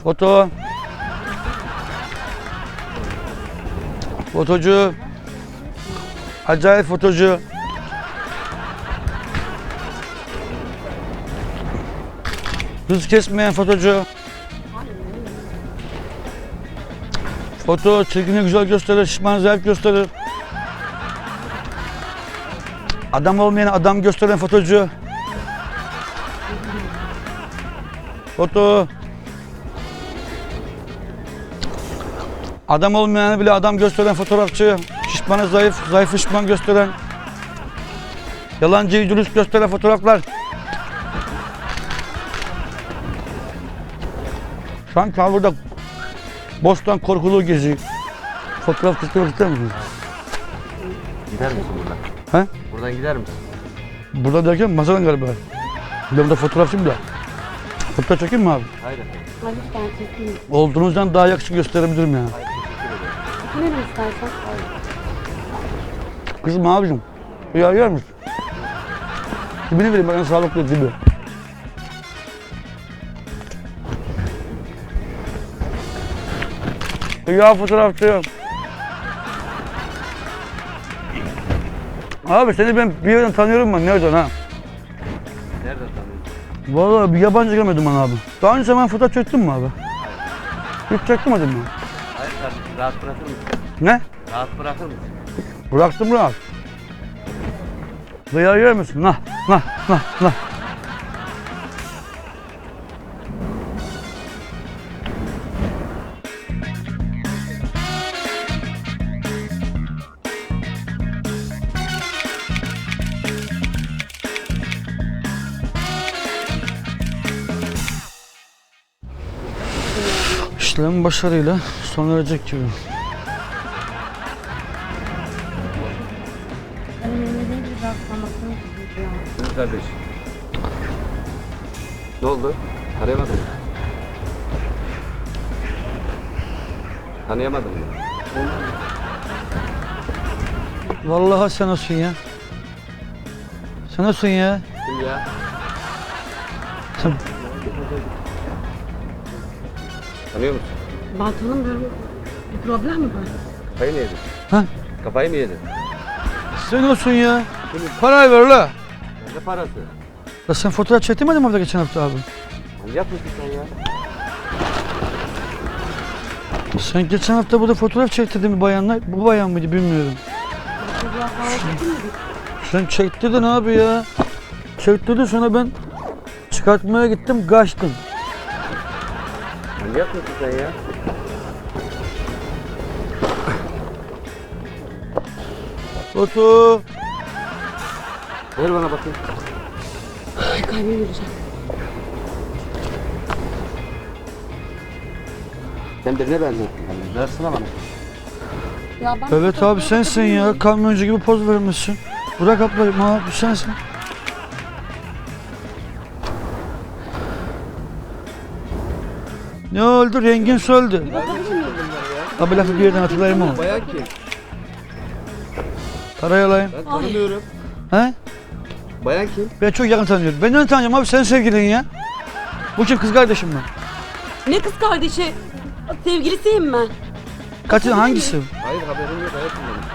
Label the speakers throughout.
Speaker 1: Foto. Fotocu. Acayip fotocu. Hız kesmeyen fotocu. Foto çirkini güzel gösterir, şişmanı zayıf gösterir. Adam olmayan adam gösteren fotocu. Foto. Adam olmayanı bile adam gösteren fotoğrafçı. Şişmanı zayıf, zayıfı şişman gösteren. Yalancıyı dürüst gösteren fotoğraflar. Sanki burada Bostan korkuluğu geziyor. Fotoğraf çekmek ister misin?
Speaker 2: Gider misin buradan?
Speaker 1: He?
Speaker 2: Buradan gider misin?
Speaker 1: Burada derken masadan galiba. Ben burada fotoğrafçıyım da. Fotoğraf çekeyim mi abi?
Speaker 2: Hayır efendim.
Speaker 3: Hayır ben çekeyim.
Speaker 1: Olduğunuzdan daha yakışıklı gösterebilirim ya.
Speaker 2: Hayır, teşekkür ederim.
Speaker 3: Çekilelim istersen.
Speaker 1: Kızım abicim, yer misin? Dibini vereyim bana sağlıklı dibi. Ya fotoğrafçı. Abi seni ben bir yerden tanıyorum ben. Nereden ha?
Speaker 2: Nereden tanıyorsun?
Speaker 1: Vallahi bir yabancı görmedim ben abi. Daha önce ben fotoğraf çektim mi abi? Hiç çekmedim mi?
Speaker 2: Hayır kardeşim, rahat bırakır mısın?
Speaker 1: Ne?
Speaker 2: Rahat bırakır mısın?
Speaker 1: Bıraktım rahat. Duyar yer misin? Nah. İşlem başarıyla sona erecek gibi.
Speaker 3: Benim elimde değil bir rastlamasını çiziyor.
Speaker 2: Buyur kardeş. Ne oldu? Arayamadın mı? Tanıyamadın mı?
Speaker 1: Vallahi sen olsun ya. Sen olsun ya.
Speaker 2: Kim ya?
Speaker 1: Sen...
Speaker 2: Tanıyor musun?
Speaker 3: Ben tanımıyorum. Bir problem mi var?
Speaker 2: Kafayı mı yedin?
Speaker 1: Ha?
Speaker 2: Kafayı mı yedin?
Speaker 1: Sen olsun ya. Parayı ver la.
Speaker 2: Ne parası?
Speaker 1: Ya sen fotoğraf çektirmedin mi orada geçen hafta abi?
Speaker 2: Manyak mısın sen ya?
Speaker 1: Sen geçen hafta burada fotoğraf çektirdin bir bayanla. Bu bayan mıydı bilmiyorum.
Speaker 3: Çocuğa falan çektin mi?
Speaker 1: Sen çektirdin abi ya. Çektirdin sonra ben çıkartmaya gittim kaçtım.
Speaker 2: Manyak mısın sen ya?
Speaker 1: Foto.
Speaker 2: Ver bana bakayım.
Speaker 3: Ay kalbim yürüyecek.
Speaker 2: Sen birine benzettin. Versene bana.
Speaker 3: Ya ben
Speaker 1: Evet abi sensin ya. Kamyoncu gibi poz vermişsin. Bırak ablayım abi sensin. Ne oldu? Rengin söldü. Abi lafı bir yerden hatırlayayım onu.
Speaker 2: Bayan kim?
Speaker 1: Karayalayım.
Speaker 2: Ben tanımıyorum.
Speaker 1: He?
Speaker 2: Bayan kim?
Speaker 1: Ben çok yakın tanıyorum. Ben onu tanıyorum abi. Senin sevgilin ya. Bu kim? Kız kardeşim mi?
Speaker 3: Ne kız kardeşi? Sevgilisiyim ben.
Speaker 1: Kaçın hangisi?
Speaker 2: Hayır haberim yok hayatım benim.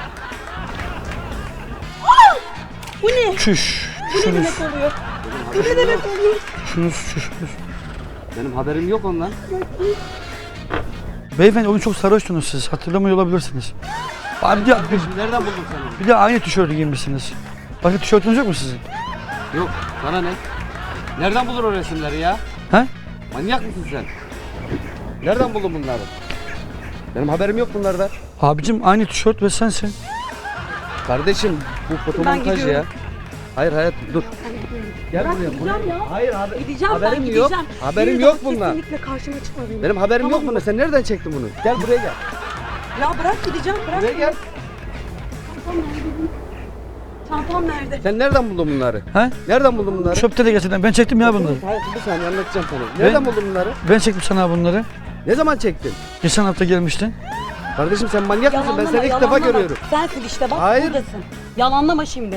Speaker 3: Bu ne?
Speaker 1: Çüş.
Speaker 3: Bu ne
Speaker 1: Şunuz.
Speaker 3: demek oluyor? Bu
Speaker 2: Benim
Speaker 3: ne
Speaker 2: haberim
Speaker 3: demek
Speaker 2: yok.
Speaker 3: oluyor?
Speaker 1: Şunuz.
Speaker 2: Benim haberim yok ondan.
Speaker 1: Beyefendi onu çok sarhoştunuz siz. Hatırlamıyor olabilirsiniz. Abi
Speaker 2: Nereden buldun sen onu?
Speaker 1: bir de aynı tişörtü giymişsiniz. Başka tişörtünüz yok mu sizin?
Speaker 2: Yok. Sana ne? Nereden bulur o resimleri ya?
Speaker 1: He?
Speaker 2: Manyak mısın sen? Nereden buldun bunları? Benim haberim yok bunlardan.
Speaker 1: Abicim aynı tişört ve sensin.
Speaker 2: Kardeşim bu fotomontaj ya.
Speaker 3: gidiyorum.
Speaker 2: Hayır hayatım dur. Gel
Speaker 3: Bırak
Speaker 2: buraya.
Speaker 3: gideceğim ya.
Speaker 2: Hayır
Speaker 3: Gideceğim
Speaker 2: haberim
Speaker 3: ben
Speaker 2: yok.
Speaker 3: gideceğim.
Speaker 2: Haberim
Speaker 3: Bir
Speaker 2: yok
Speaker 3: daha
Speaker 2: bundan.
Speaker 3: Kesinlikle karşıma çıkma benim.
Speaker 2: Benim haberim
Speaker 3: Tamam
Speaker 2: yok bundan. Sen nereden çektin bunu? Gel buraya gel.
Speaker 3: Ya bırak gideceğim bırak.
Speaker 2: Buraya gel.
Speaker 3: Çantam nerede?
Speaker 2: Sen nereden buldun bunları?
Speaker 1: He?
Speaker 2: Nereden buldun bunları?
Speaker 1: Çöpte de gerçekten. Ben çektim ya bunları.
Speaker 2: Hayır bir saniye anlatacağım sana. Nereden buldun bunları?
Speaker 1: Ben çektim sana bunları.
Speaker 2: Ne zaman çektin?
Speaker 1: Geçen hafta gelmiştin.
Speaker 2: Kardeşim sen manyak mısın? Ben
Speaker 3: Yalanlama,
Speaker 2: seni ilk defa
Speaker 3: yalanlama.
Speaker 2: görüyorum.
Speaker 3: Sensin işte bak
Speaker 2: Hayır.
Speaker 3: buradasın. Yalanlama şimdi.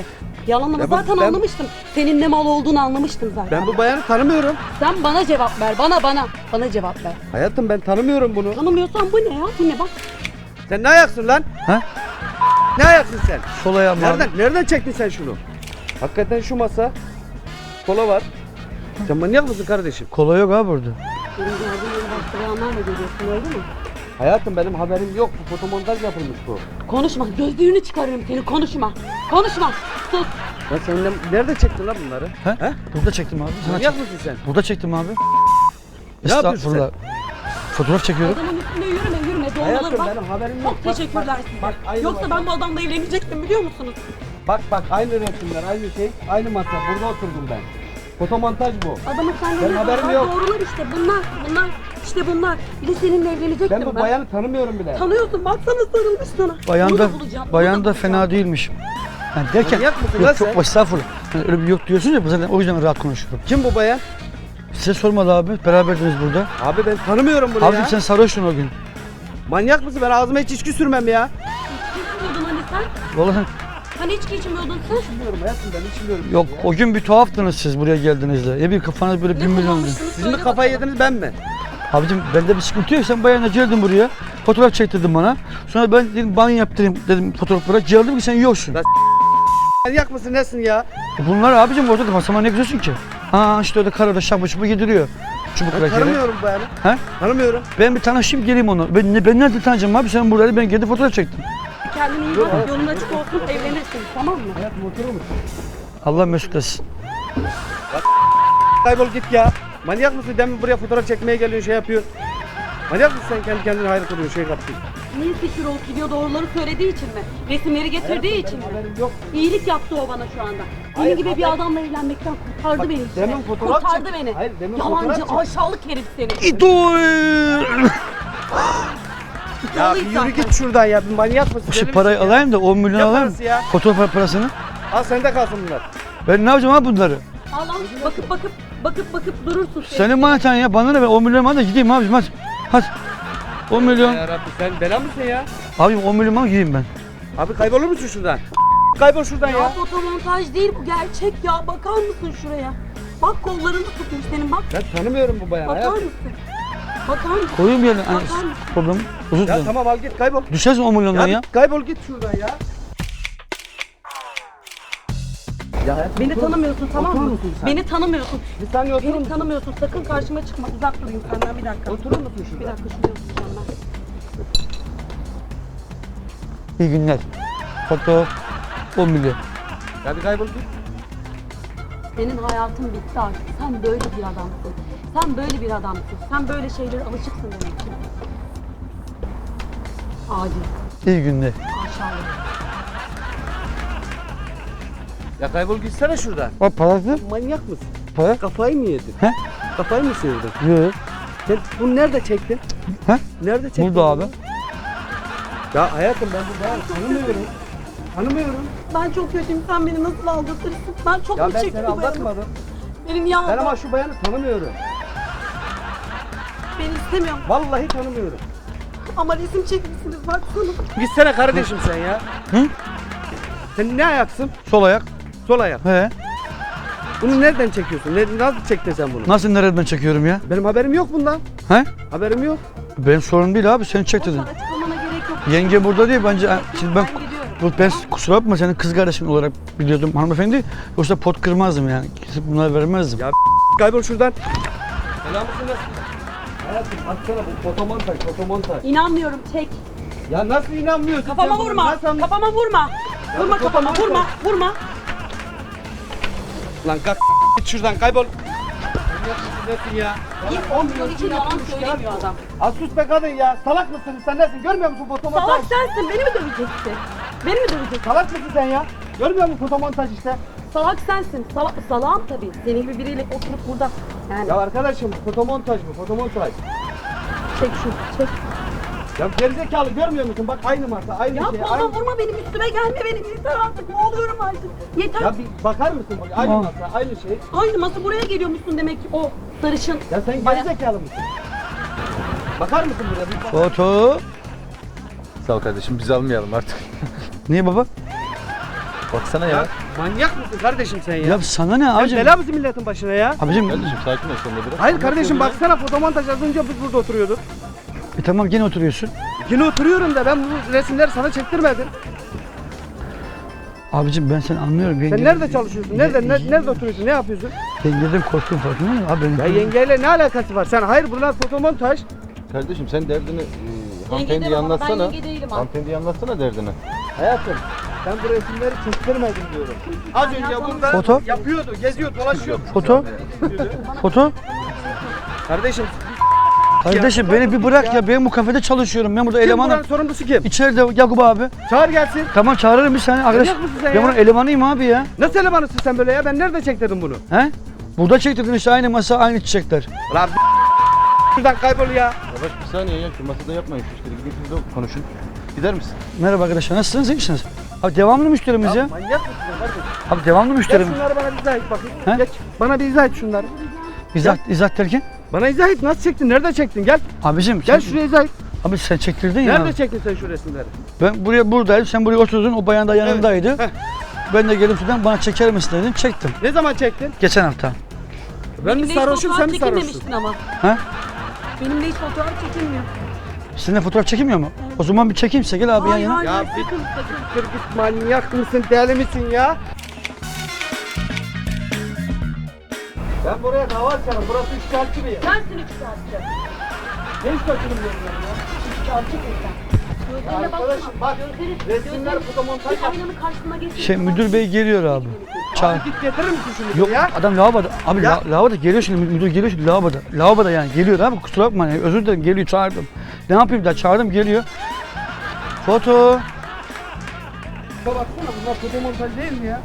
Speaker 3: Yalanlama
Speaker 2: Ya
Speaker 3: zaten
Speaker 2: ben-
Speaker 3: anlamıştım. Senin ne mal olduğunu anlamıştım zaten.
Speaker 2: Ben bu bayanı tanımıyorum.
Speaker 3: Sen bana cevap ver. Bana cevap ver.
Speaker 2: Hayatım ben tanımıyorum bunu.
Speaker 3: Tanımıyorsan bu ne ya? Bu ne bak.
Speaker 2: Sen ne ayaksın lan?
Speaker 1: Ha?
Speaker 2: Ne ayaksın sen?
Speaker 1: Sol ayağım abi.
Speaker 2: Nereden çektin sen şunu? Hakikaten şu masa. Kola var. Sen manyak mısın kardeşim?
Speaker 1: Kola yok abi burada.
Speaker 3: Benim gördüğüm başka bayanlarla görüyorsun öyle mi?
Speaker 2: Hayatım benim haberim yok. Bu fotomontaj yapılmış bu.
Speaker 3: Konuşma. Gözlüğünü çıkarırım seni. Konuşma. Konuşma. Sus.
Speaker 2: Ya sen nerede çektin lan bunları?
Speaker 1: He? Burada çektim abi. Sana
Speaker 2: Manyak
Speaker 1: çek-
Speaker 2: mısın sen?
Speaker 1: Burada çektim abi.
Speaker 2: Ne yapıyorsun
Speaker 1: Estağfurullah. Fotoğraf çekiyorum.
Speaker 3: Adamın üstüne yürüme. Doğruları
Speaker 2: Hayatım
Speaker 3: bak.
Speaker 2: benim haberim yok.
Speaker 3: Çok
Speaker 2: Bak,
Speaker 3: teşekkürler
Speaker 2: bak,
Speaker 3: size.
Speaker 2: bak, aynı
Speaker 3: Yoksa
Speaker 2: masa.
Speaker 3: ben bu adamla evlenecektim biliyor musunuz?
Speaker 2: Bak aynı resimler, aynı şey, aynı masa. Burada oturdum ben. Fotomontaj bu.
Speaker 3: Adamın
Speaker 2: Benim
Speaker 3: seninle
Speaker 2: haberim
Speaker 3: var.
Speaker 2: yok.
Speaker 3: Doğrular işte. Bunlar. İşte bunlar. Bir de seninle evlenecektim
Speaker 2: Ben
Speaker 3: ben.
Speaker 2: bu bayanı tanımıyorum bile.
Speaker 3: Tanıyorsun. Baksana sarılmış sana.
Speaker 1: Bayan
Speaker 3: Bunu
Speaker 1: da,
Speaker 3: bulacağım, bunu
Speaker 1: bayan da
Speaker 3: bulacağım.
Speaker 1: fena değilmiş. Yani derken
Speaker 2: Manyak mısın lan
Speaker 1: yok
Speaker 2: sen?
Speaker 1: çok estağfurullah. Yani öyle bir yok diyorsun ya zaten o yüzden rahat konuşuyorum.
Speaker 2: Kim bu bayan?
Speaker 1: Size sormadı abi. Beraberdiniz burada.
Speaker 2: Abi ben tanımıyorum bunu
Speaker 1: Abicim
Speaker 2: ya.
Speaker 1: sen sarhoştun o gün.
Speaker 2: Manyak mısın? Ben ağzıma hiç içki sürmem ya.
Speaker 3: İçki içmiyordun hani sen?
Speaker 1: Vallahi sen
Speaker 3: Hani içki içmiyordun sen?
Speaker 2: Bilmiyorum hayatım ben içmiyorum.
Speaker 1: yok o gün bir tuhaftınız siz buraya geldiğinizde. Ya bir kafanız böyle 1 milyon.
Speaker 3: kullanmıştınız?
Speaker 2: Siz mi
Speaker 3: Söyle
Speaker 2: kafayı
Speaker 3: bakalım.
Speaker 2: yediniz ben mi?
Speaker 1: Abicim bende bir sıkıntı yok. Sen bayanla geldin buraya. Fotoğraf çektirdin bana. Sonra ben dedim banyo yaptırayım dedim fotoğraflara. Geldim ki sen yoksun.
Speaker 2: Ben- Manyak mısın nesin ya?
Speaker 1: Bunlar abicim ortada masama ne güzelsin ki? Ha işte öyle karada şapı şubu yediriyor. Çubuk
Speaker 2: Ben
Speaker 1: rakeri.
Speaker 2: tanımıyorum bu bayanı.
Speaker 1: He?
Speaker 2: Tanımıyorum.
Speaker 1: Ben bir tanışayım geleyim onu. Ben nerede tanıyacağım abi? Sen buradaydı ben geldim fotoğraf çektim.
Speaker 3: Kendine iyi bak. Yolun açık olsun. Evlenirsin. Tamam mı?
Speaker 2: Hayatım oturur musun?
Speaker 1: Allah mesut etsin.
Speaker 2: Kaybol git ya. Manyak mısın? Demin buraya fotoğraf çekmeye geliyorsun şey yapıyorsun. Manyak mısın sen kendi kendine hayır kılıyorsun şey yapıyorsun.
Speaker 3: Niye fikir olup gidiyor doğruları söylediği için mi? Resimleri getirdiği için mi?
Speaker 2: Haberim yok.
Speaker 3: İyilik yaptı o bana şu anda. Senin
Speaker 2: Hayır,
Speaker 3: gibi bir
Speaker 2: haber-
Speaker 3: adamla evlenmekten kurtardı
Speaker 2: Bak,
Speaker 3: beni işte.
Speaker 2: demin fotoğraf
Speaker 3: Kurtardı
Speaker 2: çek-
Speaker 3: beni.
Speaker 2: Hayır, demin fotoğraf
Speaker 3: Yalancı,
Speaker 2: çek-
Speaker 3: aşağılık herif seni.
Speaker 1: İdol.
Speaker 2: Ya bir yürü git şuradan ya. Bir manyak mısın?
Speaker 1: Şu
Speaker 2: Deli
Speaker 1: parayı
Speaker 2: misin ya?
Speaker 1: alayım da 10 milyon
Speaker 2: Ne
Speaker 1: alayım.
Speaker 2: parası ya?
Speaker 1: Fotoğraf parasını.
Speaker 2: Al sende kalsın bunlar.
Speaker 1: Ben ne yapacağım abi bunları?
Speaker 3: Allah bakıp durursun sen.
Speaker 1: Senin maneten ya bana ne ben 10 milyon bana da gideyim abicim hadi. Hadi. 10 milyon.
Speaker 2: Ya Rabbi sen bela mısın ya?
Speaker 1: Abicim 10 milyon bana gideyim ben.
Speaker 2: Abi kaybolur musun şuradan? Kaybol şuradan
Speaker 3: Ya
Speaker 2: ya.
Speaker 3: fotomontaj değil bu gerçek ya. Bakar mısın şuraya? Bak kollarını tutmuş senin bak.
Speaker 2: Ben tanımıyorum bu bayanı.
Speaker 3: Bakar
Speaker 2: hayatım.
Speaker 3: mısın? Bakar mısın?
Speaker 1: Koyayım yerine. Hani,
Speaker 3: Bakar mısın?
Speaker 1: problem. Özür
Speaker 2: Ya
Speaker 1: dilerim.
Speaker 2: tamam al git kaybol.
Speaker 1: Düşersin 10 milyondan ya.
Speaker 2: Kaybol git şuradan ya. Ya hayatım,
Speaker 3: Beni
Speaker 2: otur-
Speaker 3: tanımıyorsun tamam
Speaker 2: oturur
Speaker 3: mı?
Speaker 2: musun sen?
Speaker 3: Beni tanımıyorsun.
Speaker 2: Bir saniye oturur
Speaker 3: Beni
Speaker 2: musun?
Speaker 3: tanımıyorsun. Sakın karşıma çıkma. Uzak durayım senden bir dakika.
Speaker 2: Oturur musun şurada?
Speaker 3: Bir dakika şuraya oturacağım ben.
Speaker 1: İyi günler. Foto 10 milyon.
Speaker 2: Ya bir kaybol git.
Speaker 3: Senin hayatın bitti artık. Sen böyle bir adamsın. Sen böyle bir adamsın. Sen böyle şeylere alışıksın demek ki. Adi,
Speaker 1: İyi günler.
Speaker 3: aşağılık.
Speaker 2: Ya kaybol gitsene şuradan.
Speaker 1: O parası?
Speaker 2: Manyak mısın?
Speaker 1: Para?
Speaker 2: Kafayı mı yedin?
Speaker 1: He?
Speaker 2: Kafayı mı sıyırdın?
Speaker 1: Yok.
Speaker 2: Sen bunu nerede çektin?
Speaker 1: He?
Speaker 2: Nerede çektin?
Speaker 1: Burada abi.
Speaker 2: bunu? Ya hayatım ben bu bayanı tanımıyorum. Tanımıyorum.
Speaker 3: Ben çok kötüyüm. Sen beni nasıl aldatırsın? Ben çok
Speaker 2: Ya
Speaker 3: mu
Speaker 2: ben
Speaker 3: çektim
Speaker 2: seni aldatmadım.
Speaker 3: Benim ya
Speaker 2: Ben ama şu bayanı tanımıyorum.
Speaker 3: beni istemiyorum.
Speaker 2: Vallahi tanımıyorum.
Speaker 3: Ama resim çekmişsiniz baksana.
Speaker 2: Gitsene kardeşim sen ya.
Speaker 1: Hı?
Speaker 2: Sen ne ayaksın?
Speaker 1: Sol ayak.
Speaker 2: Sol ayak.
Speaker 1: He.
Speaker 2: Bunu nereden çekiyorsun? Nasıl çektin sen bunu?
Speaker 1: Nasıl nereden çekiyorum ya?
Speaker 2: Benim haberim yok bundan.
Speaker 1: He?
Speaker 2: Haberim yok.
Speaker 1: Benim sorun değil abi sen çek dedin.
Speaker 3: Boşver, açıklamana gerek yok.
Speaker 1: Yenge burada değil bence. Şimdi ben
Speaker 3: gidiyorum.
Speaker 1: ben kusura bakma senin kız kardeşin olarak biliyordum hanımefendi. Yoksa pot kırmazdım yani. Kesip bunları vermezdim.
Speaker 2: Ya kaybol şuradan. Selam mısın nasıl? Hayatım atsana bu fotomontaj, fotomontaj.
Speaker 3: İnanmıyorum çek.
Speaker 2: Ya nasıl inanmıyorsun?
Speaker 3: Kafama
Speaker 2: sen buna?
Speaker 3: vurma.
Speaker 2: Nasıl
Speaker 3: Kafama vurma. Vurma
Speaker 2: bu
Speaker 3: kafama.
Speaker 2: kafama
Speaker 3: Vurma. Vurma.
Speaker 2: Lan kalk git şuradan kaybol. Manyak mısın nesin ya?
Speaker 3: İlk 10 milyon için yalan söylemiyor adam.
Speaker 2: Az sus be kadın ya. Salak mısın sen nesin? Görmüyor musun fotomontaj?
Speaker 3: Salak sensin. Beni mi döveceksin? Beni mi döveceksin?
Speaker 2: Salak mısın sen ya? Görmüyor musun fotomontaj işte?
Speaker 3: Salak sensin. Salağım tabii. Senin gibi biriyle oturup burada. Yani
Speaker 2: Ya arkadaşım fotomontaj bu fotomontaj.
Speaker 3: çek şu. Çek.
Speaker 2: Ya gerizekalı görmüyor musun? Bak aynı masa aynı
Speaker 3: Ya
Speaker 2: şey.
Speaker 3: vurma
Speaker 2: Aynı...
Speaker 3: vurma benim üstüme gelme benim. Yeter artık. Ne oluyorum artık. Yeter.
Speaker 2: Ya bir bakar mısın? Bak, aynı
Speaker 1: Aa.
Speaker 2: masa aynı şey.
Speaker 3: Aynı masa buraya geliyormuşsun demek ki o sarışın.
Speaker 2: Ya sen
Speaker 3: Baya-
Speaker 2: gerizekalı mısın? Bakar mısın buraya? Bir bak.
Speaker 1: Foto.
Speaker 4: Sağ ol kardeşim biz almayalım artık.
Speaker 1: Niye baba?
Speaker 4: Baksana ya.
Speaker 2: Manyak mısın kardeşim sen ya?
Speaker 1: Ya sana ne
Speaker 2: Sen
Speaker 1: abicim?
Speaker 2: bela mısın milletin başına ya?
Speaker 1: Abicim
Speaker 4: Kardeşim sakin ol sen de biraz.
Speaker 2: Hayır kardeşim baksana fotomontaj az önce biz burada oturuyorduk.
Speaker 1: tamam gene oturuyorsun.
Speaker 2: Yine oturuyorum da ben bu resimleri sana çektirmedim.
Speaker 1: Abicim ben seni anlıyorum.
Speaker 2: Sen nerede çalışıyorsun? Nerede oturuyorsun? Ne yapıyorsun?
Speaker 1: Yengeden korktum farkında mısın? Abi
Speaker 2: Ya
Speaker 1: benim
Speaker 2: yengeyle ne alakası var? Sen hayır bunlar fotomontaj.
Speaker 4: Kardeşim sen derdini hanımefendiye
Speaker 3: demem ama ben
Speaker 4: anlatsana.
Speaker 3: yenge değilim ha.
Speaker 4: Hanımefendiye anlatsana derdini.
Speaker 2: Hayatım sen bu resimleri çektirmedin diyorum. Az önce burada
Speaker 1: Foto?
Speaker 2: yapıyordu, geziyor, dolaşıyor.
Speaker 1: foto.
Speaker 2: Kardeşim
Speaker 1: Kardeşim beni bir bırak ya. Ben bu kafede çalışıyorum. Ben burada
Speaker 2: kim
Speaker 1: elemanım.
Speaker 2: buranın sorumlusu kim?
Speaker 1: İçeride Yakup abi.
Speaker 2: Çağır gelsin.
Speaker 1: Tamam çağırırım bir saniye. Arkadaş,
Speaker 2: Manyak mısın sen
Speaker 1: ben
Speaker 2: ya?
Speaker 1: bunun elemanıyım abi ya.
Speaker 2: Nasıl elemanısın sen böyle ya? Ben nerede çektirdim bunu?
Speaker 1: He? Burada çektirdin işte aynı masa aynı çiçekler.
Speaker 2: Lan şuradan kaybol ya.
Speaker 4: Yavaş bir saniye ya şu masada yapmayın şu işleri. Gidin siz de konuşun. Gider misin?
Speaker 1: Merhaba arkadaşlar nasılsınız iyi misiniz? Abi devamlı müşterimiz ya.
Speaker 2: Manyak mısın sen kardeşim?
Speaker 1: Abi devamlı
Speaker 2: Geç
Speaker 1: müşterimiz.
Speaker 2: şunları bana bir izah et bakayım.
Speaker 1: He?
Speaker 2: Geç. Bana bir izah et şunları.
Speaker 1: İzzat derken?
Speaker 2: Bana izah et. Nasıl çektin? Nerede çektin? Gel.
Speaker 1: Abicim
Speaker 2: Gel
Speaker 1: sen,
Speaker 2: şuraya izah et.
Speaker 1: abi sen çektirdin ya.
Speaker 2: Nerede çektin sen şu resimleri?
Speaker 1: Ben buradaydım sen buraya oturdun o bayan da yanındaydı.
Speaker 2: Heh.
Speaker 1: Ben de gelip şuradan bana çeker misin dedim çektim.
Speaker 2: Ne zaman çektin?
Speaker 1: Geçen hafta.
Speaker 2: Ben mi
Speaker 3: Benimle hiç
Speaker 2: sarhoşum
Speaker 3: fotoğraf
Speaker 2: sen mi sarhoşsun?
Speaker 3: çekilmemiştin ama.
Speaker 1: Ha?
Speaker 3: Benimle hiç fotoğraf çekilmiyor.
Speaker 1: Sizinle fotoğraf çekilmiyor mu? O zaman bir çekeyim size gel abi yan
Speaker 3: Hayır
Speaker 1: yana.
Speaker 3: hayır
Speaker 2: Ya
Speaker 3: sakın
Speaker 2: bir-
Speaker 3: sakın.
Speaker 2: Kırgız manyak mısın? Deli misin ya? Ben buraya dava açarım. Burası üçkağıtçı bir yer.
Speaker 3: Sensin üç saatçi.
Speaker 2: Ne iş kaçırmıyorum ben ya?
Speaker 3: Üç saatçi sen. Gözlerine
Speaker 2: Arkadaşım
Speaker 3: baksana.
Speaker 2: bak, resimler fotomontaj
Speaker 3: Bir
Speaker 2: yap.
Speaker 3: aynanın karşısına geçsin.
Speaker 1: Şey müdür bey geliyor abi. Çağır.
Speaker 2: Abi git getirir misin şunu
Speaker 1: Yok
Speaker 2: ya?
Speaker 1: adam lavaboda. Abi
Speaker 2: Ya.
Speaker 1: lavaboda geliyor şimdi müdür geliyor şimdi lavaboda. Lavaboda yani geliyor abi kusura bakma yani özür dilerim geliyor çağırdım. Ne yapayım da çağırdım geliyor. Foto.
Speaker 2: Şuna baksana bunlar fotomontaj değil mi ya?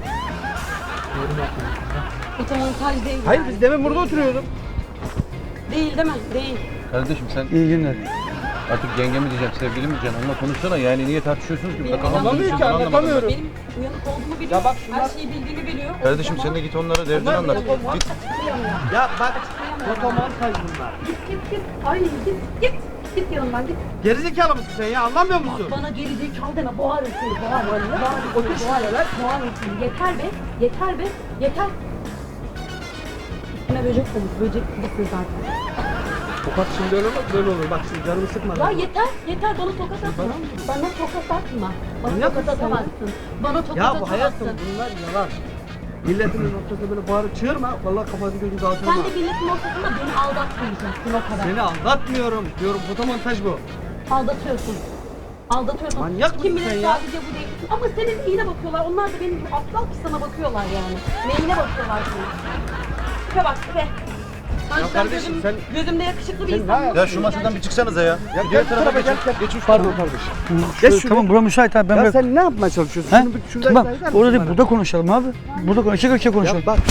Speaker 3: Fotomontaj değil.
Speaker 2: Hayır
Speaker 3: yani.
Speaker 2: biz demin burada oturuyorduk.
Speaker 3: Değil değil mi? Değil.
Speaker 4: Kardeşim sen
Speaker 1: İyi günler.
Speaker 4: artık yenge mi diyeceğim sevgili mi diyeceksin onunla konuşsana yani niye tartışıyorsunuz ki?
Speaker 3: Benim
Speaker 4: Kafamda
Speaker 2: anlamıyor
Speaker 4: düşüyorsun,
Speaker 2: ki,
Speaker 4: anlamadım
Speaker 2: anlatamıyorum.
Speaker 3: Benim uyanık olduğumu biliyor.
Speaker 2: Ya bak şunlar-
Speaker 3: Her şeyi bildiğimi biliyor.
Speaker 4: ben. Kardeşim sen de git onlara derdini
Speaker 2: Bunlar
Speaker 4: anlat.
Speaker 2: fotomontaj.
Speaker 4: Git.
Speaker 2: Ya bak fotomontaj bunlar.
Speaker 3: Git. Ay git. Git yanımdan git.
Speaker 2: Gerizekalı mısın sen ya? Anlamıyor musun?
Speaker 3: Bana geri zekalı deme. Boğarım seni. Boğarım.
Speaker 2: Otur şuraya lan.
Speaker 3: Boğarım seni. Yeter be. Yeter be. Yeter. Üstüne böcek olmuş. Böcek gibisin zaten.
Speaker 2: Tokat şimdi öyle olmaz böyle olur. Bak şimdi canımı sıkma.
Speaker 3: Ya yeter. Yeter. Bana tokat atma. Bana tokat atma. Bana
Speaker 2: Manyak
Speaker 3: tokat
Speaker 2: mısın sen ya?
Speaker 3: atamazsın. Bana tokat
Speaker 2: Ya bu hayatım
Speaker 3: atamazsın.
Speaker 2: bunlar yalan. Milletin ortasında böyle bağırıp çığırma. Vallahi kafanı gözünü dağıtırma.
Speaker 3: Sen de milletin ortasında beni aldatmayacaksın o kadar.
Speaker 2: Seni aldatmıyorum diyorum. Fotomontaj bu.
Speaker 3: Aldatıyorsun. Aldatıyorsun.
Speaker 2: Manyak
Speaker 3: Kim
Speaker 2: mısın
Speaker 3: bilir
Speaker 2: sen ya?
Speaker 3: sadece bu değil. Ama senin iyine bakıyorlar. Onlar da benim gibi aptal ki sana bakıyorlar yani. Neyine bakıyorlar senin? Tipe bak tipe.
Speaker 2: Ya kardeşim sen-
Speaker 3: Gözümde yakışıklı bir
Speaker 2: Sen
Speaker 3: insan.
Speaker 2: ne
Speaker 4: Ya şu masadan bir çıksanıza ya.
Speaker 2: Ya
Speaker 4: Bir diğer
Speaker 2: gel
Speaker 4: tarafa
Speaker 2: tarafa
Speaker 4: geçin.
Speaker 2: gel.
Speaker 4: Geç uç
Speaker 2: Pardon kardeşim.
Speaker 1: Şöyle,
Speaker 2: şuraya.
Speaker 1: tamam bura müsait abi ben
Speaker 2: Ya
Speaker 1: böyle.
Speaker 2: sen ne yapmaya çalışıyorsun?
Speaker 1: He?
Speaker 2: Şunu bir şurada
Speaker 1: Tamam
Speaker 2: izah eder
Speaker 1: orada
Speaker 2: misin
Speaker 1: değil
Speaker 2: bana?
Speaker 1: burada konuşalım abi. Burada iki konuşalım.
Speaker 2: Ya bak.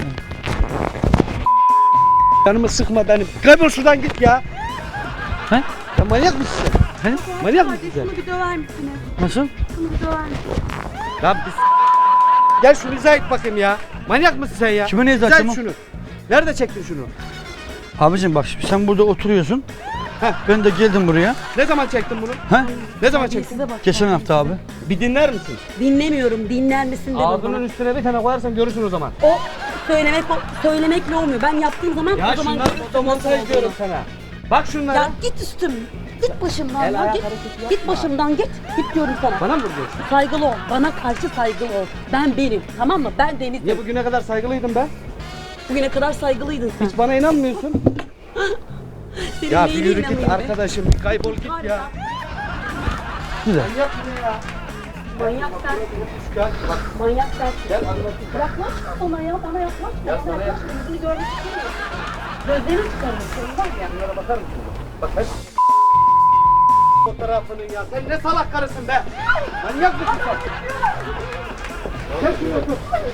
Speaker 2: Canımı sıkma benim. Kaybol şuradan git ya.
Speaker 1: He?
Speaker 2: Ya manyak mısın sen?
Speaker 1: He?
Speaker 2: Manyak mısın sen?
Speaker 3: Şunu bir döver misiniz?
Speaker 1: Nasıl?
Speaker 3: Şunu bir döver misiniz?
Speaker 2: Ya biz... Gel şunu izah et bakayım ya. Manyak mısın sen ya?
Speaker 1: Kime ne izah
Speaker 2: İzah et
Speaker 1: edeceğim?
Speaker 2: şunu. Nerede çektin şunu?
Speaker 1: Abicim bak şimdi sen burada oturuyorsun.
Speaker 2: Heh.
Speaker 1: Ben de geldim buraya.
Speaker 2: Ne zaman çektin bunu?
Speaker 1: He?
Speaker 2: Ne zaman çektin?
Speaker 3: Size bak.
Speaker 1: Geçen hafta abi.
Speaker 2: Bir dinler misin?
Speaker 3: Dinlemiyorum. Dinler misin dedim
Speaker 2: Ağzının
Speaker 3: bana.
Speaker 2: üstüne bir tane koyarsam görürsün o zaman.
Speaker 3: O söylemekle olmuyor. Ben yaptığım zaman
Speaker 2: Ya
Speaker 3: o zaman
Speaker 2: şunlar
Speaker 3: görürsün
Speaker 2: fotomontaj
Speaker 3: nasıl
Speaker 2: diyorum
Speaker 3: olduğunu.
Speaker 2: sana. Bak şunlara.
Speaker 3: Ya git üstüm. Git başımdan
Speaker 2: El
Speaker 3: ya.
Speaker 2: ayak
Speaker 3: Git,
Speaker 2: hareketi
Speaker 3: git
Speaker 2: yapma.
Speaker 3: başımdan git. Git diyorum sana.
Speaker 2: Bana mı vuruyorsun?
Speaker 3: Saygılı ol. Bana karşı saygılı ol. Ben benim. Tamam mı? Ben Deniz'im.
Speaker 2: Niye bugüne kadar saygılıydım ben?
Speaker 3: Bugüne kadar saygılıydın sen.
Speaker 2: Hiç bana inanmıyorsun.
Speaker 3: Senin
Speaker 2: Ya bir
Speaker 3: neyine
Speaker 2: yürü git
Speaker 3: inanayım be?
Speaker 2: arkadaşım. Bir kaybol git
Speaker 3: Var
Speaker 2: ya.
Speaker 1: Güzel.
Speaker 2: Manyak mı ya?
Speaker 3: Manyak sen.
Speaker 2: Gel bak.
Speaker 3: Manyak sen.
Speaker 2: Gel anlatayım.
Speaker 3: Yaklaşma bana ya. Bana yaklaşma.
Speaker 2: Ya
Speaker 3: Bana
Speaker 2: sana
Speaker 3: yaklaşma. Yüzünü görmek istemiyorum. Gözlerini çıkarırım. Senin var ya.
Speaker 2: Bunlara bakar mısın? Bak hep fotoğrafının ya. Sen ne salak karısın be? Manyak mısın sen? Gel şuraya otur.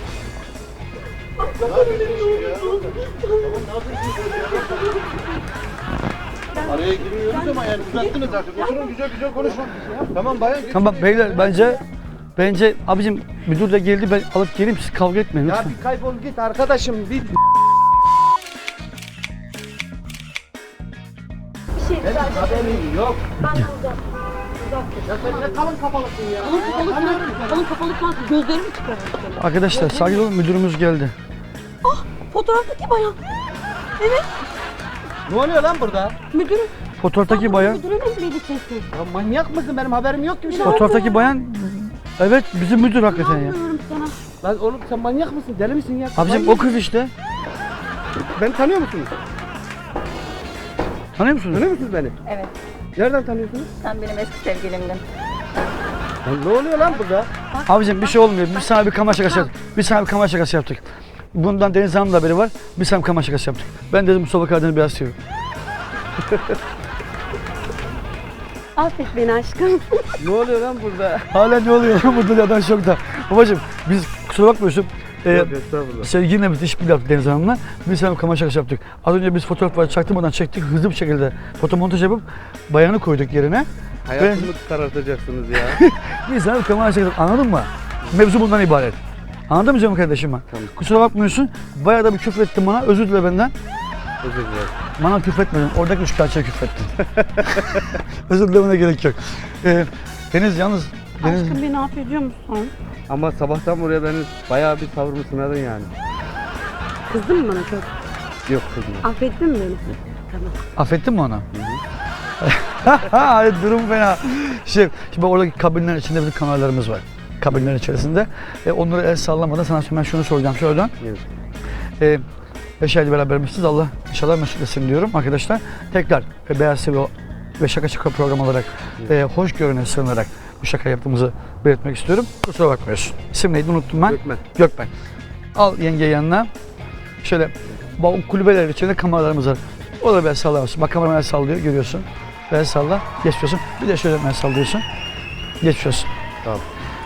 Speaker 4: Araya girmiyoruz ama yani uzattınız artık. Oturun güzel güzel konuşun. Tamam bayan geç.
Speaker 1: Tamam beyler bence abicim müdür de geldi ben alıp geleyim siz kavga etmeyin
Speaker 2: Ya
Speaker 1: lütfen.
Speaker 2: bir kaybol git arkadaşım. Bir
Speaker 3: Bir şey rica ederim.
Speaker 2: haberin yok.
Speaker 3: Ben burada.
Speaker 2: Ya sen ne kalın kafalısın ya.
Speaker 3: Kalın kapalı kalsın. Gözlerimi çıkarır.
Speaker 1: Arkadaşlar sakin olun, müdürümüz geldi.
Speaker 3: Ah, fotoğraftaki bayan. Evet,
Speaker 2: Ne oluyor lan burada?
Speaker 3: müdürüm.
Speaker 1: Fotoğraftaki bayan,
Speaker 3: Müdürün emriyle kesin.
Speaker 2: Ya manyak mısın? Benim haberim yok ki bir şey.
Speaker 1: fotoğraftaki bayan evet bizim müdür hakikaten ya.
Speaker 3: İnanmıyorum sana.
Speaker 2: Lan oğlum sen manyak mısın? Deli misin ya?
Speaker 1: Abicim
Speaker 2: Manyak.
Speaker 1: o kız işte.
Speaker 2: Beni tanıyor musunuz?
Speaker 1: Tanıyor musunuz?
Speaker 2: Tanıyor musunuz beni?
Speaker 5: Evet,
Speaker 2: Nereden tanıyorsunuz?
Speaker 5: sen benim eski sevgilimdin.
Speaker 2: Lan ne oluyor lan burada?
Speaker 1: Abicim bir şey olmuyor. Biz sana bir kamera şakası yaptık. Biz sana bir kamera şakası yaptık. Bundan Deniz Hanım'ın da haberi var. Biz sana bir kamera şakası yaptık. Ben dedim Mustafa Karadeniz'i biraz seviyorum.
Speaker 3: Affet beni aşkım.
Speaker 2: Ne oluyor lan burada?
Speaker 1: Hala ne oluyor lan burada adam şokta. Babacım biz kusura bakmıyorsun.
Speaker 2: Yok estağfurullah.
Speaker 1: Sevgilinle bir işbirliği yaptık Deniz Hanım'la. Biz sana bir kamera şakası yaptık. Az önce biz fotoğrafları çaktırmadan çektik. Hızlı bir şekilde fotomontaj yapıp bayanı koyduk yerine.
Speaker 2: Hayatımı karartacaksınız ya.
Speaker 1: Biz sana bir kamera şakası yaptık. Anladın mı? Mevzu bundan ibaret. Anladın mı canım kardeşim ben?
Speaker 2: Tamam.
Speaker 1: Kusura bakmıyorsun. Bayağı da bir küfür ettin bana. Özür dile benden.
Speaker 2: Özür dilerim.
Speaker 1: Bana küfretmedin. Oradaki üçkağıtçıya küfrettin. Özür dilemene gerek yok. Deniz yalnız... Deniz...
Speaker 3: Aşkım beni affediyor musun?
Speaker 2: Ama sabahtan buraya beni bayağı bir tavrımı sınadın yani.
Speaker 3: Kızdın mı bana çok?
Speaker 2: Yok kızım.
Speaker 3: Affettin mi beni? Tamam.
Speaker 1: Affettin mi onu? Durum fena. Şimdi oradaki kabinlerin içinde bizim kameralarımız var. Kabinlerin içerisinde. Onları el sallamadan sana ben şunu soracağım şuradan.
Speaker 2: Evet.
Speaker 1: 5 ayda berabermişsiniz. Allah inşallah mesut etsin diyorum arkadaşlar. Tekrar Beyaz TV ve Şaka Şaka program olarak hoşgörüne sığınarak bu şaka yaptığımızı belirtmek istiyorum. Kusura bakmıyorsun. İsim neydi unuttum ben.
Speaker 2: Gökmen.
Speaker 1: Gökmen. Al yenge yanına. Şöyle bu kulübeler içinde kameralarımız var. O da el sallamıyorsun. Bak kameraman el sallıyor görüyorsun. El salla. Geçiyorsun. Bir de şöyle el sallıyorsun. Geçiyorsun.
Speaker 2: Tamam.